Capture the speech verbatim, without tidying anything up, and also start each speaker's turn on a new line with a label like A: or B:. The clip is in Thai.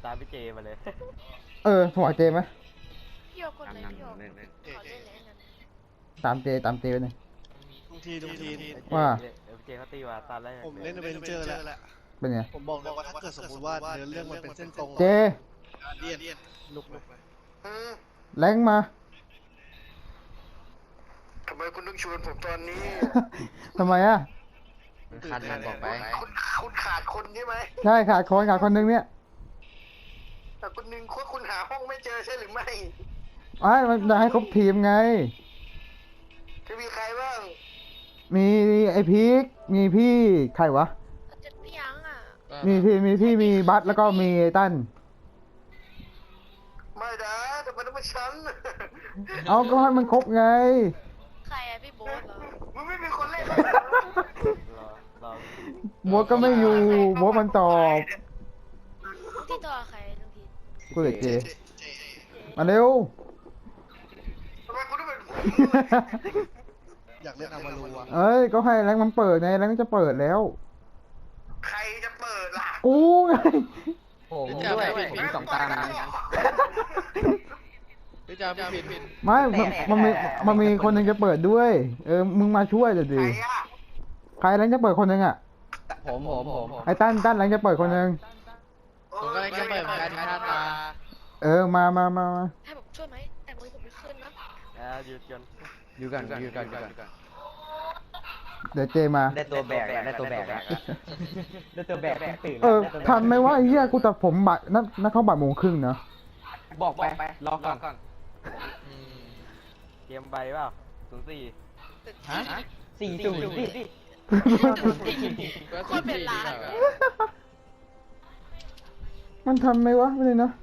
A: ตามพี่เจมาเลย
B: เออหัวเจไหม
C: พี่โยกคนไหนพี่โยกขอเล่นเลยงั้น
B: ตามเจตามเจไปหน่อย
D: ทุกทีทุกที
B: ว่า
A: เดี๋ยวพี่เจเขาตีมาตอนแรก
D: ผมเล่นเวนเจอร์แล้ว
B: เป็นไง
D: ผมบอกเลยว่าถ้าเกิดสมมติว่าเนื้อเรื่องมันเป็นเส้นตรง
B: เจ
D: เดียนลุกลุก
B: แรงมา
E: ทำไมคุณต้องชวนผมตอนนี้
B: ทำไมอ่ะ
F: คันมันบอกไป
E: คุณคุณขาดคนใช่ไหม
B: ใช่ขาดคนขาดคนนึงเนี่ย
E: แต่คุณหนึ่งคุณคุณหาห้องไม่เจอใช่หรือไม่
B: ไอ้มันจะให้ครบทีมไง
E: จะมีใครบ้าง
B: มีไอพีคมีพี่ใครวะ
C: จะพี่ยังอ่ะ
B: มีพี่มีพี่มีบัสแล้วก็มีไอ้ตั้น
E: ไม่นะแต่มันต้องเป็นฉัน
B: เอาก็ให้มันครบไง
C: ใครอะพี่โบ๊ทเหรอ
E: มันไม่มีคนเล่น
A: รอรอ
B: บัวก็ไม่อยู่บัวมันตอบ
C: ที่ตัวใครทุกที
B: กูเลยเจ มาเร็ว
E: ทำไมคุณต้องเป็นผม
D: อยากเล่นอามารูอ่ะ
B: เอ้ย ก็ให้แรงมันเปิดไงแรงจะเปิดแล้ว
E: ใครจะเปิดล่ะ
B: กูไง
F: ผมด้วยผมสองตานะพี่จ้าพี่ผิด
B: ไม่มันมันมีมันมีคนหนึงจะเปิดด้วย เออ มึงมาช่วยเดี๋ยว
E: ใคร
B: ดิ
E: อะ
B: ใครแรงจะเปิดคนหนึงอ่ะ
F: ผมผมผม
B: ไอ้ตั้นตั้นแรงจะเปิดคนหนึง
F: ผมก็เลยจะเปิดเหมือนกันหน้าตา
B: เออ มามามามา
C: ให้ผมช่วยไหมแต่มือผมไม่ขึ้นนะ
A: อ่าหยุดจน
F: อยู่กันอยู่กันอยู่กัน
B: เดี๋ยวเจมา
F: ได้ตัวแบกได้ตัวแบกได้ตัวแบกตื่น
B: เออทำไหมว่าไอ้เหี้ยกูตัดผมบ่ายนัดนัดเข้าบ่ายโมงครึ่งเนาะ
F: บอกไปรอก่อน
A: เกมใบเปล่าศูนย์สี่
F: ฮะสี่ศูนย์สิ
C: โคตรเป็นล้าน
B: มันทำไหมวะไม่เลยเนาะ